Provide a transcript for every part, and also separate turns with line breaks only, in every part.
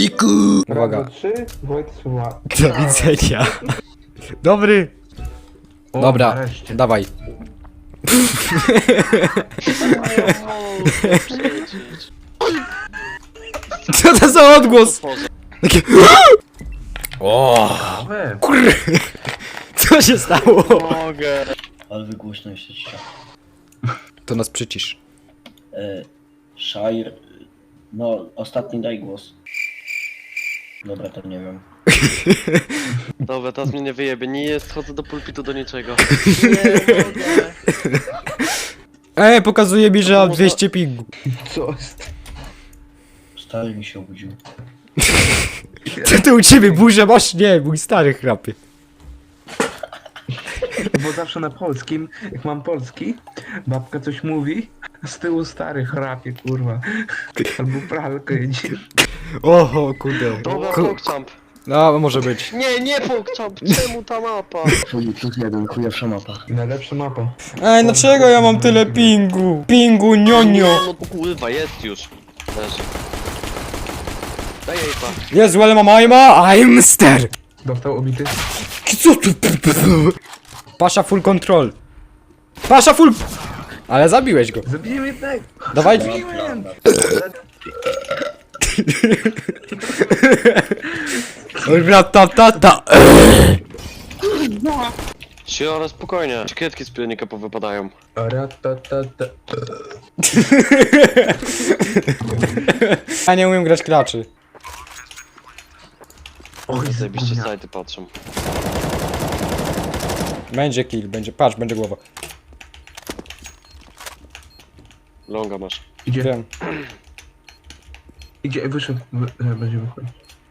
Króliku! Uwaga.
3, Wojt słucha.
Do widzenia. Dobry.
O,
Dobra,
nareszcie.
dawaj. Co to za odgłos? Takie... O,
We,
co się stało?
Mogę.
Ale wy głośno jesteście.
To nas przycisz.
Shire. No, ostatni daj głos. Dobra, to nie wiem.
Dobra, teraz mnie nie wyjebie. Nie schodzę do pulpitu do niczego. Nie mogę.
Pokazuje mi, że mam 200 pingu.
co jest?
Stary mi się obudził.
Co ty u ciebie burzę masz? Nie, mój stary chrapie.
Bo zawsze na polskim, jak mam polski, babka coś mówi, z tyłu stary chrapie, kurwa. Albo pralkę jedzie.
Oho, kurde.
Dobra, pokczamp.
No, może być.
Nie pokczamp. Czemu ta mapa?
Plus jeden, chujowsza mapa.
Najlepsza mapa.
Ej, dlaczego ja mam tyle pingu? Pingu, nionio.
No kurwa, jest już. Leży. Daj jej pa.
Jezu, ale mam aima, I'm ster.
Dostał obity?
Co tu? Pasza full control. Pasza full... Ale zabiłeś go.
Zabiłem jednego!
Dawaj.
Zabiłem!
Ratatata.
Ale spokojnie. Kredki z pilnika powypadają.
Ratatata.
Ja nie umiem grać klaczy.
Oj,
Zajebiście
zgubnia.
sajty patrzą.
Będzie kill, będzie, patrz, będzie głowa.
Longa masz.
Idzie,
Wiem.
idzie, wyszedł, będzie wychodzić.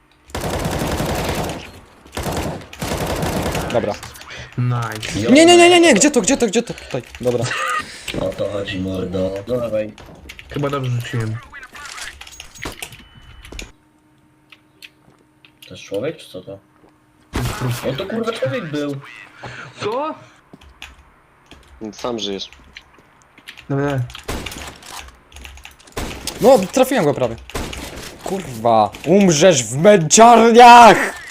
Dobra.
Nice.
Nie, gdzie to? Tutaj, dobra.
O to chodzi, mordo. Dawaj.
Chyba dobrze rzuciłem.
To jest człowiek, czy co to? No to kurwa człowiek był.
Co?
Sam żyjesz.
Dobra.
No, trafiłem go prawie. Kurwa, umrzesz w męczarniach!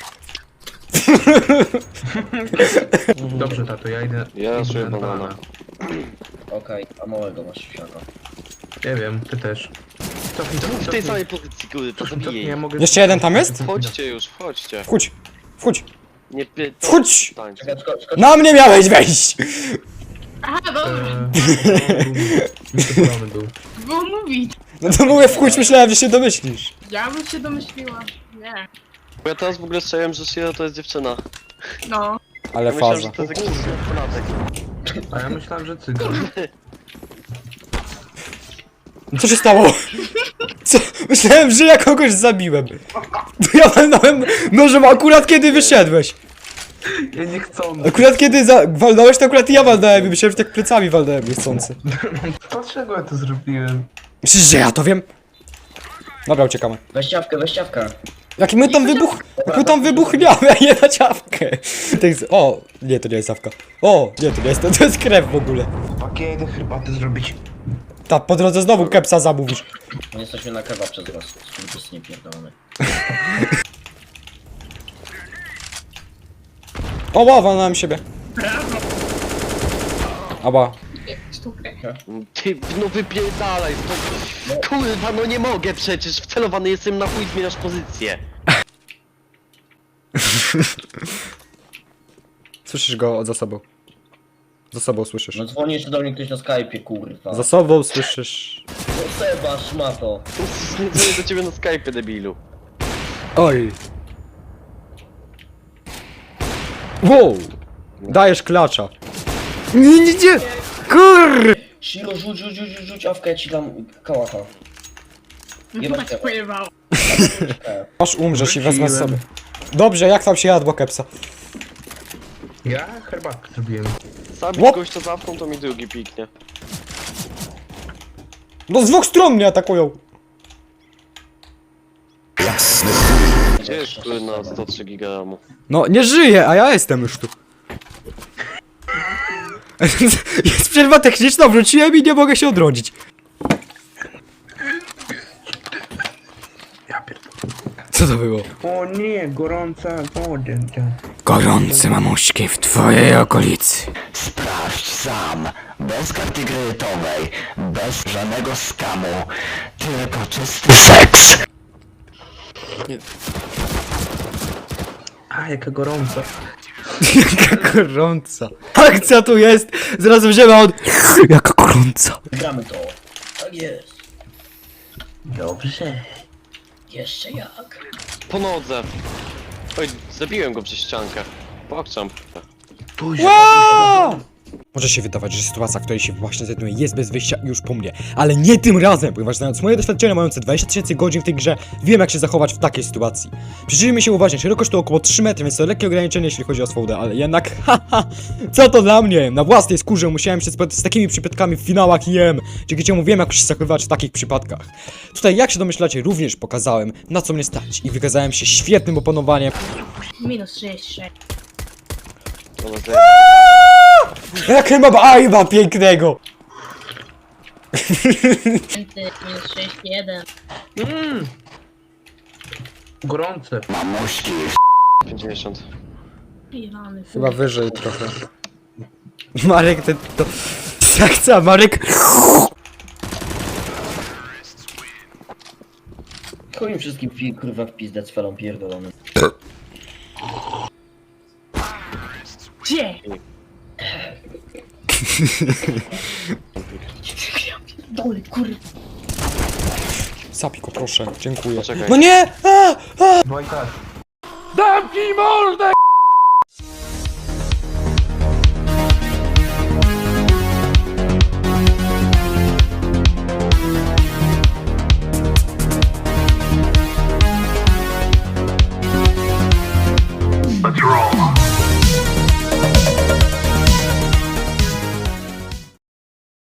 Dobrze, tato, ja idę.
Ja
idę
czuję
na
banana.
Okej, a małego masz siaka.
Nie wiem, ty też. Cofnij,
W tej samej pozycji, kurde, to zabiję
ja
jej.
mogę...
Jeszcze jeden tam jest?
Wchodźcie już, wchodźcie.
Wchodź.
Nie py...
Wchodź!
Tańczy.
Czekaj, skocz.
Na mnie miałeś wejść!
Aha, dobrze,
Wysypany był.
było mówić.
No to mówię wchodź, myślałem, że się domyślisz.
Ja bym się domyśliła. Nie.
Bo ja teraz w ogóle strzeliłem, że Shiro to jest dziewczyna.
No.
Ale
Ja myślałem,
faza.
że to jest jakiś nastolatek.
A ja myślałem, że cygan.
Co się stało? Co? Myślałem, że ja kogoś zabiłem. Ja walnąłem nożem akurat kiedy wyszedłeś.
Ja nie chcę.
Akurat kiedy walnąłeś, to akurat ja walnąłem i myślałem, że tak plecami walnąłem niechcący.
Dlaczego ja to zrobiłem?
Myślisz, że ja to wiem? Dobra, uciekamy.
Weź ciawkę.
Jak my tam wybuchniamy, a nie na ciawkę. O, nie, to nie jest ciawka. O, nie, to nie jest, to jest krew w ogóle.
Chłopaki, ja idę herbatę zrobić.
Ta, po drodze znowu kepsa zamówisz.
My jesteśmy na kebab przez was. Skurwys nie pierdolony.
O, wow, walnąłem siebie. Aba.
Sztukę.
Ty, no wypierdalaj stąd. Kurwa, no nie mogę przecież. Wcelowany jestem na chuj, zmieniasz pozycję.
Słyszysz go za sobą. Za sobą słyszysz.
No dzwoni jeszcze do mnie ktoś na Skype'ie, kurwa.
Za sobą słyszysz.
No Seba, szmato.
Nie dzwonię do ciebie na Skype, debilu.
Oj. Wow. Dajesz klacza. Nie. Kur.
Shiro, rzuć awkę, ja ci dam kałacha.
No
Jebać
to tak
tego.
pojebało.
Aż umrzesz i wezmę
Wróciłem.
sobie. Dobrze, jak tam się jadło kepsa?
Ja herbatkę zrobiłem.
Zabić
Łop.
gościa zawką, to mi drugi piknie.
No z dwóch stron mnie atakują.
Gdzie jest który na 103 giga?
No, nie żyję, a ja jestem już tu. Jest przerwa techniczna, wróciłem i nie mogę się odrodzić.
Ja pierdolę.
Co to było?
O nie, gorąca woda.
Gorące mamuśki w twojej okolicy.
Sprawdź sam, bez karty kredytowej, bez żadnego skamu, tylko czysty seks.
A, jaka gorąca.
Jaka gorąca. Akcja tu jest! Zaraz wzięła od... Jaka gorąca.
Gramy to. Tak jest. Dobrze. Jeszcze jak.
Po nodze. Oj, zabiłem go przez ściankę. Pokczam.
Wow! Może się wydawać, że sytuacja, w której się właśnie znajduję, jest bez wyjścia już po mnie. Ale nie tym razem, ponieważ znając moje doświadczenia mające 20 000 godzin w tej grze, wiem jak się zachować w takiej sytuacji. Przyjrzyjmy się uważnie, szerokość to około 3 metry, więc to lekkie ograniczenie jeśli chodzi o swobodę, ale jednak haha, co to dla mnie? Na własnej skórze musiałem się spotkać z takimi przypadkami w finałach IM, dzięki czemu wiem jak się zachowywać w takich przypadkach. Tutaj jak się domyślacie również pokazałem na co mnie stać i wykazałem się świetnym opanowaniem.
Minus 66.
Jak chyba ajba pięknego!
Minus 61.
Gorące.
Mamuśki,
50.
Pirany.
Chyba wyżej trochę. Marek, ten to... Akcja, Marek!
Chuj im wszystkim kurwa w pizdę z felą pierdolony.
Gdzie? Dole, kurwa.
Sapiko, proszę, dziękuję.
Poczekaj.
No nie!
Wojtas.
Zamknij mordę!